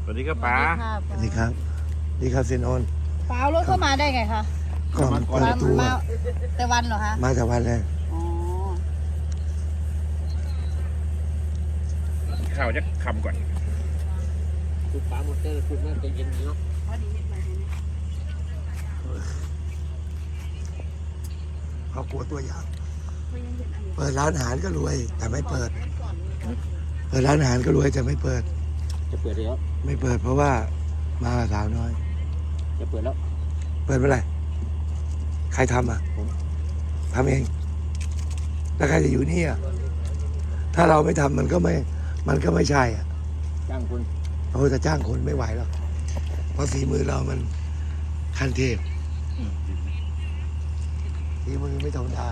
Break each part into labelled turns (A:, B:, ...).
A: สวัสดีครับป๋า
B: สวัสดีครับดีครับเซนโอน
C: ป๋าเอารถเข้ามาได้ไงคะ
B: ก็เปิดประตู
C: มาแต่วันเหรอคะ
B: มาจากวันเลย
C: อ๋อ
A: ข้าวจะคำก่อน
D: คุณป๋าหมดเลยคุณน่าจะเย็นเนาะ
B: เขากลัวตัวอย่างเปิดร้านอาหารก็รวย แต่ไม่เปิดร้านอาหารก็รวยแต่ไม่เปิด
D: จะเปิดแล้ว
B: ไม่เปิดเพราะว่ามากับสาวน้อย
D: จะเปิดแล้ว
B: เปิดเมื่อไหร่ใครทำอ่ะทำเองแล้วใครจะอยู่นี่อ่ะถ้าเราไม่ทำมันก็ไม่ใช่อ่ะ
D: จ้างคุณ
B: เราจะจ้างคนไม่ไหวหรอกเพราะฝีมือเรามันขั้นเทพฝีมือไม่ธรรมดา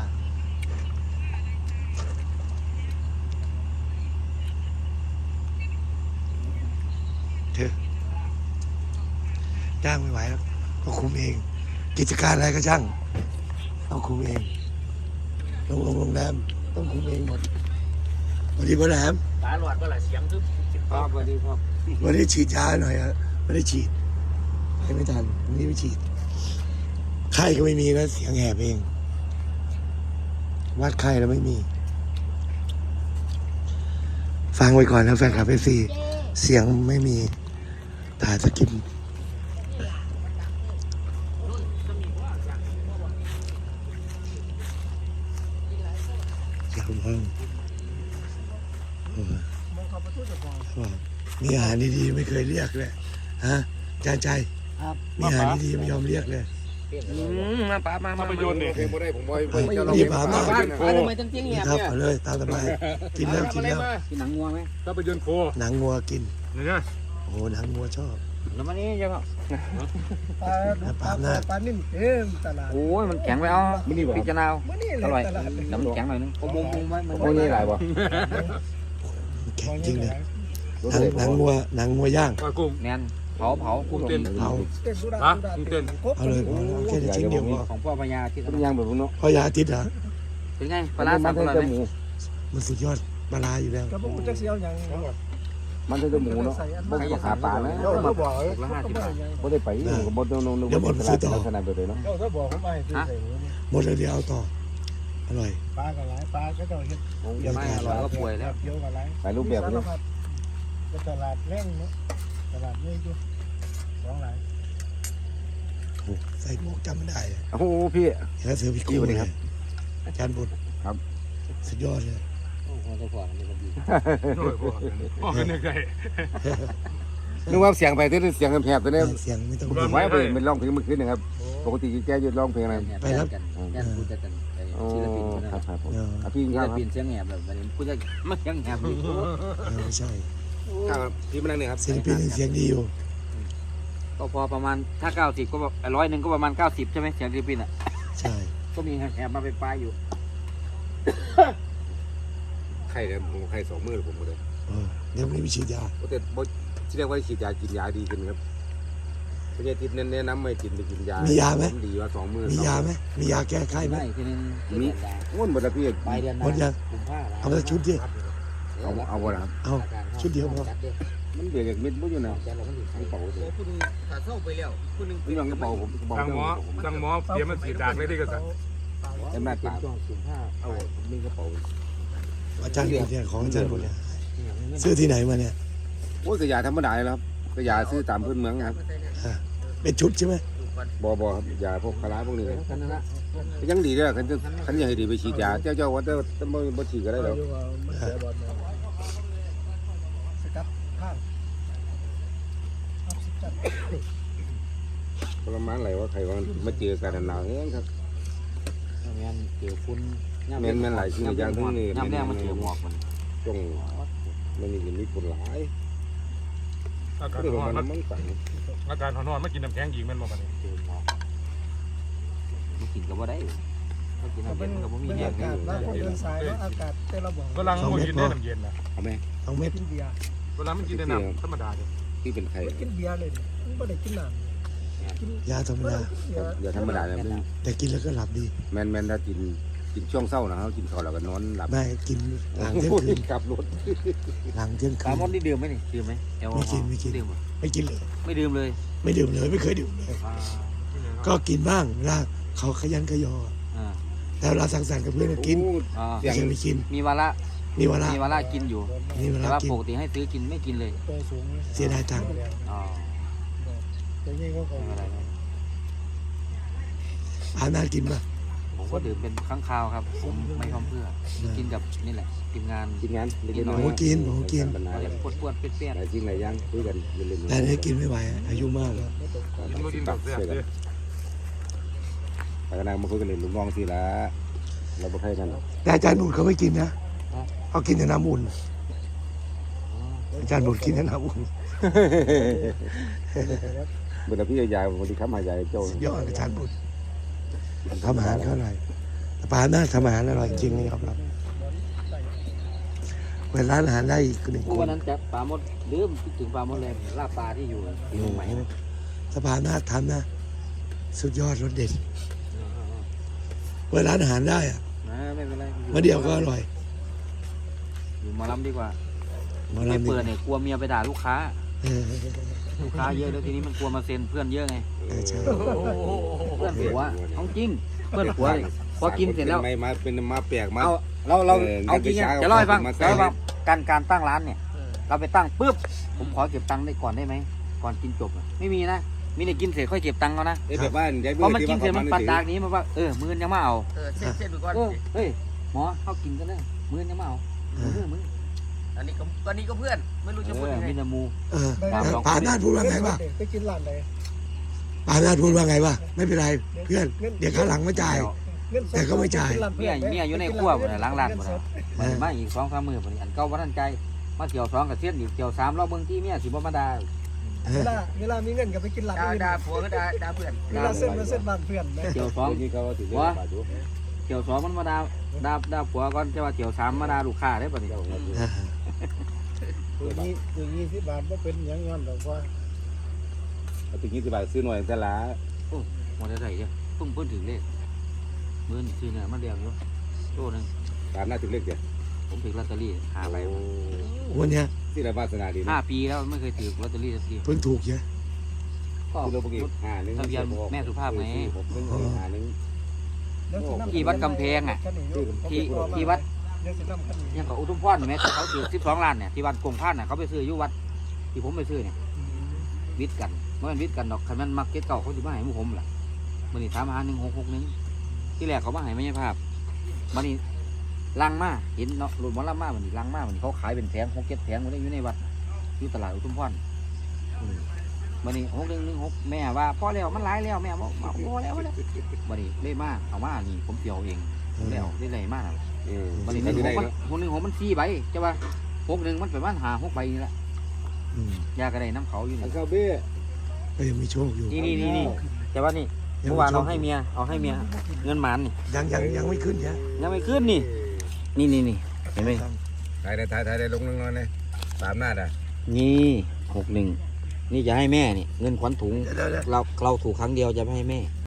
B: เธอจ้างไม่ไหวแล้วก็คุมเอง กิจการอะไรก็ช่างต้องคุมเองโรงแรมต้องคุมเองหมดวันนี้พ่อแหลม
D: ป๋าหลอดก็หละเสียงทึบครับสวัสดีครับ
B: วันนี้ฉีดยาหน่อยอะไม่ได้ฉีดไม่ทันวันนี้ไม่ฉีดไข้ก็ไม่มีนะเสียงแหบเองวัดไข้แล้วไม่มี ฟังไว้ก่อนนะแฟนคลับเอฟซีเสียงไม่มีถ่ายสกิปเสียงห้องมีอาหารดีๆไม่เคยเรียกเลยฮะจานใจมีอาหารดีๆไม่ยอมเรียกเลย
D: มาป๋ามา
A: ภาพยนตร์เนี่ย
B: รีบหามา
D: ทำไมต้องเจียงเงียบ
B: ครับ
D: เนี่ย
B: เอาเลยตามสบายกินแล้วกินแล้ว
D: กินหนังงัวไหม
A: ภาพยนตร์โค
B: หนังงัวกิน
A: เนี่ย
B: โอ้โหหนังงัวชอบ
D: แล้วมันนี่ยังไง
B: ปลาหน้า
E: ปลานิ่มเต็มตลาด
D: โอ้ยมันแข็งไปเอาพิจารณา
E: มื้อนี้
D: อ
E: เลย
D: ร่อย
E: ตลาด
D: น้ำแข็งหน่อยนึงมุมไหมมันไม่นี่หลายบ่
B: แข็งจริงเลยหนังงัวย่าง
A: ปลากุ้ง
D: แน่นเผาคู่
A: เต้น
B: เอา
E: เต้นสุดา
A: ฮะ
E: สุดา
A: เต้น
B: เอาเลยเอาเลยแค่ชิ้นเดียวพอ
D: ของพ่อพญาที่ทำยางแบบนู้น
B: เพราะยาอาทิตย์เหรอ
D: เป็นไงปลาสามตัวไหม
B: มันสุดยอดปลาร้าอยู่แล้ว
E: ก็บ่จักสิเอาหยัง
D: มันจะหมูเนาะมันจะขาปลานะ
E: เจ้าถ้าบอก
D: ละ50 บาท
E: เ
D: บ่ได้ไปบ่ต้องลงลักษณะแบบนี้เนาะ
E: จ้าถ้าบอกผมไม่ซื้อใส่หัวนี่
B: หมดแล้วเดี๋ยวเอาต่ออร่อย
E: ปลาก็หลายปลาก็เจ้าเฮ็ด
D: ไม่อร่อยก็ป่วยแล้ว
E: เกี่ยวกับหลาย
D: หลายรูปแบบ
E: สาร
D: เลย
E: พัดก็ตลาดแรงเนาะตลาดใหญ่อยู่ของหลาย
B: โอ้ใส่หมวกจำไม่ได้เลย
D: โอ้โหพี่
B: เห็นแล้วเสือพิโก้เลยอาจารย์บุตร
D: ครับ
B: สุดยอดเลย
A: โอ้ยพ่อเป็นยังไง
D: นึกว่าเสียงไปที่เสียงแผบตัวนี้
B: เสียงไม่ต้อง
D: ผมไว้ไปเป็นร้องเพลงเมื่อคืนนะครับ ปกติแกจะร้องเพลงอะไร
B: ไปครับ
F: แอนพูดจะกัน
D: ศิลปินครับครับผมพี่
F: ศิ
D: ค
F: ล
D: รับ
F: ปินเสียงแหบแบบนี้พูดจะไม่เสียงแหบอยู่
B: ไม่ใช่
D: ครับพี่มานั่งนี่ครับ
B: ศิลปินยังเสียงดีอยู่
F: ก็พอประมาณถ้า90ก็100ก็ประมาณ90ใช่ไหมเสียงศิลปินอ่ะ
B: ใช่
F: ก็มีแหบมาเป็นปลายอยู่
D: ไข่เนี่ยผมไข่2 มื้อผมหมดเลย
B: เดี๋ยววันนี้ไปฉีดยา
D: แต่บ่ที่เรียกว่าฉีดยากินยาดีขึ้นครับพญาทิพย์แนะนำไม่กินไปกินยาดีว่า2 มื้อ
B: มียาไหมมียาแก้ไข้ไหม
F: ไม่ทีนึง
D: มีง่วนหมดแล้วพี่
F: ปลายเดือน
B: หมดยัง
F: กุมภา
B: เอาละชุดดิ
D: เอาบ่ล่ะครับ
B: เอาชุดเดียวพอ
D: มันเบียดเม็ดบ่อยู่นะ
F: แต่เราไม่ถึง
D: กระเป๋าเลย
F: คุณถ้าเข้าไปแล้วคุณนึง
D: นี่มันกระเป๋าผมกระเป๋า
A: สั่งหมอเดี๋ยวมันสีดากเลยที่กระสัน
D: แต่แม่เป็นช่วง15เอามีกระเป๋า
B: อาจารย์บุตรเนี่ยของอาจารย์บุตรเนี่ยซื้อที่ไหนมาเนี่ย
D: โอ้ยกระยาธรรมดาเลยครับกระยาซื้อตามพื้นเมืองครับ
B: เป็นชุดใช่ไหม
D: บ่ครับยาพวกคาราพวกนี้
F: กันนั่นละ
D: ยังดีเลยคันยังให้ดีไปฉีดยาเจ้าว่าแต่บ่ฉีดก็ได้หรอก
E: อยู่ว่ามันเสียบอลสกัดข้างเอาสกัด
D: ประมาณไหนว่าใครว่ามาเจอกันหนาวเฮ้ยครับ
F: แม่นเกี่ยวคุณ
D: แม่นหลายสิ่งอย่างทั้งนี้
F: ย่ำแรกมันเกี่ยวหมอกมัน
D: จงมันมีผลหลาย
A: อากาศ
D: ที่ผม
A: ร้อน
D: มันสั่ง
A: อากาศร้อนมากินน้ำแข็งอีกมันบ่ปะนี่
F: ไม่กินก็บ่ได้ไม่กิน
E: ก็
F: น้ำ
E: เป็
F: เย็
E: น
F: นก็บ่มี
E: บรร
F: เย็
E: ยาน กาศว่าคนเดินสายแล้วอากาศแต่ละบ่อง
A: เวลามันกินได้น้ำเย็นนะ
D: เอาไหม
B: 2 เม็ด
E: กินเบียร์
A: เวลามันกินได้น้ำธรรมดาเลย
D: ที่เป็นไข่
E: กินเบียร์เลยมันไม่ได้กินน้ำกิน
B: ยาธรรมดา
D: อย่าธรรมดาเลย
B: แต่กินแล้วก็หลับดี
D: แม่นถ้ากินกินช่วงเช้านะครับกินข้าวแล้วก็นอนหลับ
B: ไม่กินหลังเที่ยงคืน
D: ขับรถ
B: หลังเที่ยง
F: ป
B: คื
F: ลาน มดนี่ดื่มไหมนี่ดื่มไหมแอลกอฮอล์
B: ไม่กิน
F: ดื่มเหรอ
B: ไม่กินเลย
F: ไม่ดื่มเลย
B: ไม่ดื่มเลยไม่เคยดื่มเลย
F: อ่า
B: ก็กินบ้างเวลาเขาขยันขยอ
F: อ่า
B: แต่เวลาสังสรรค์กับเพื่อนก็กิน
F: อ่า
B: ไม่ใช่ไม่กิน
F: มีวาระ
B: มีเวลา
F: มีวาระกินอยู่
B: มีเว
F: แต่
B: ลา
F: ว่า
B: กิน
F: ปกติให้ซื้อกินไม่กินเลย
E: ตัวสูง
B: เสียดายตังค์
F: อ๋อ
E: แต่นี่ก็
F: ไม่เป็นไรไม่
B: อาน่ากินป่ะ
F: ผมก็ดื่มเป็นครั้งคราวครับ ผมไม่พร้อมเพื่อกินกับนี่แหละทีมงาน
D: กินงานเล่นๆ
F: โอ้
D: น้อย
F: โห
B: กินผมกิน
D: ปัญหา
F: อะไรปวดๆเปรี้ยน
D: หลายจริงหลายอย่างคุยกันเล่นๆ
B: แต่นี่กินไม่ไหวอายุมากแล้ว
A: กินบ่กินแบบแซ่บเด้อ
D: ไปกันนะมาคุยกันเล่นลูกน้องสิละเราบ่ใครกัน
B: แต่อาจารย์หนุนเขาไม่กินนะเขากินแต่น้ำอุ่นอาจารย์หนุนกินแต่น้ำอุ่น
D: เมื่อพี่ยายวันที่ค้ำหายายเจ้า
B: สุดยอดอาจารย์หนุนทำอาหารเขาอร่อยแต่ปลาหน้าทำอาหารอร่อยจริงเลยครับเปิดร้านอาหารได้อีกหนึ่ง
F: ๆ
B: ค
F: วัน
B: น
F: นั้นจะปลาหมดลืมคิดถึงปลาหมดเลยลาบปลาที่อยู่ที่ตรงไหน
B: สภาหน้าทำนะ สุดยอดรสเด็ดเปิดร้านอาหารได้อะ
F: ไม่เป็นไร
B: มาเดียวก็อร่อย
F: อยู่หมาลำดีกว่า
B: มา
F: ไม่
B: ลำ
F: เปิดเนี่ยกลัวเมียไปด่าลูกค้า
B: เออ
F: ลูกค้าเยอะแล้วทีนี้มันกลัวมาเซ็นเพื่อนเยอะไง
B: ใช่
F: เพื่อนผัวเอาจริงเพื่อนผัวเลยพอกินเสร็จแล้ว
D: ไม่มาเป็นมาแปลกมา
F: เอาเราเอาจริงอะจะเล่าให้ฟังจะเล่าให้ฟังการตั้งร้านเนี่ย เราไปตั้งปุ๊บผมขอเก็บตังค์ได้ก่อนได้ไหมก่อนกินจบอะไม่มีนะมีแต่กินเสร็จค่อยเก็บตังค์เขานะ
D: แบบว่ายาย
F: เพราะมันกินเสร็จมันปันดากนี้มันว่ามื้อยังมาเอา
G: เส้นไปก่อน
F: เฮ้ยหมอเข้ากินกันเลยมื้อยังมาเอามื้อ
G: อันนี้ก็เพื่อนไม่รู้จะพูดยังไง
F: มินามู
B: เออปาหน้าพูดว่าไงวะ
E: ไปกินร้านไหน
B: ปาหน้าพูดว่าไงวะไม่เป็นไรเพื่อนเดี๋ยวข้างหลังมาจ่าย แต่ก็ไม่จ่าย
F: เนี่ยอยู่ในครัวหมดเลยล้างร้านหมดเลยมันมาอีก2-3 มื้อพอดีอันเก่าบ่ทันใจมาเที่ยว2กับเส้นอีกเที่ยว3รอบเบิ่งที่เมียสิบ่มาด่า
E: เวลามีเงินก็ไปกินร้านอื่น
G: ด่าผัวก็ด่าเพื่อน
E: เวลาเส้นบ้านเพื่อนนะ
F: เที่ยว2
D: นี่เขาถือ
F: เที่ยว2มันมาด่าผัวก่อนจะว่าเที่ยว3มาด่าลูกค้าได้บัดนี้
E: ตัวนี้20 บาทก็เป็นอย่างย้อนดอกว่า
D: ถึง20 บาทซื้อหน่อยแต่ละ
F: หมดได้เด้อเพิ่นถึงเลขมื้อนี้ซื้อเนี่ยมาเดียวอยู่โตนึง
D: ตามหน้าถึงเลขเดียว
F: ผมถือลอตเตอรี่5ใบ
B: วันเนี้ย
D: ที่เราวาสนาดีนะ
F: 5 ปีแล้วไม่เคยถือลอตเตอรี่สักที
B: เพิ่งถูกเยอะ
F: ก็
D: ที่เราปกติ51
F: ทะเบียนแม่สุภาพไหม
D: 61
F: ที่วัดกำแพงอ่ะที่วัดยังกับอุทุมพรเห็นไหมเขาถือ12 ล้านเนี่ยที่วัดกงพานน่ะเขาไปซื้ออยู่วัดที่ผมไปซื้อเนี่ยวิทย์กันเมื่อมันวิทย์กันดอกคันมันมักเก็ตเก่าเขาจะมาให้หมู่ผมล่ะมันนี่ถามหา1661ที่แรกเขามาให้ไม่ใช่ภาพมันนี่ลังมาเห็นเนาะรถมอลล่ามามันนี่ลังมามันเขาขายเป็นแผง6-7 แผงมันได้อยู่ในวัดอยู่ตลาดอุทุมพรมันนี่6116แม่ว่าพอแล้วมันหลายแล้วแม่บอกพอแล้วมันนี่เล่มาเอามานี่ผมเกี่ยวเองแล้วได้ไรมาก มัน116มัน4 ใบใช่ป่ะ61มันประมาณ5-6 ใบนี่แหละยากระไดน้ำเขาอยู่นี่
D: เข้าเบ้
B: ก็ยังมีโชคอยู่
F: นี่แต่ว่านี่เมื่อวานเอาให้เมียเงินหมานนี่
B: ยังไม่ขึ้นเนี่ย
F: ยังไม่ขึ้นนี่เห็นไหม
D: ถ่ายได้ลงน้อยๆเลยตามหน้าด่ะ
F: นี่61นี่จะให้แม่นี่เงินขวัญถุงเราถูกครั้งเดียวจะไม่ให้แม่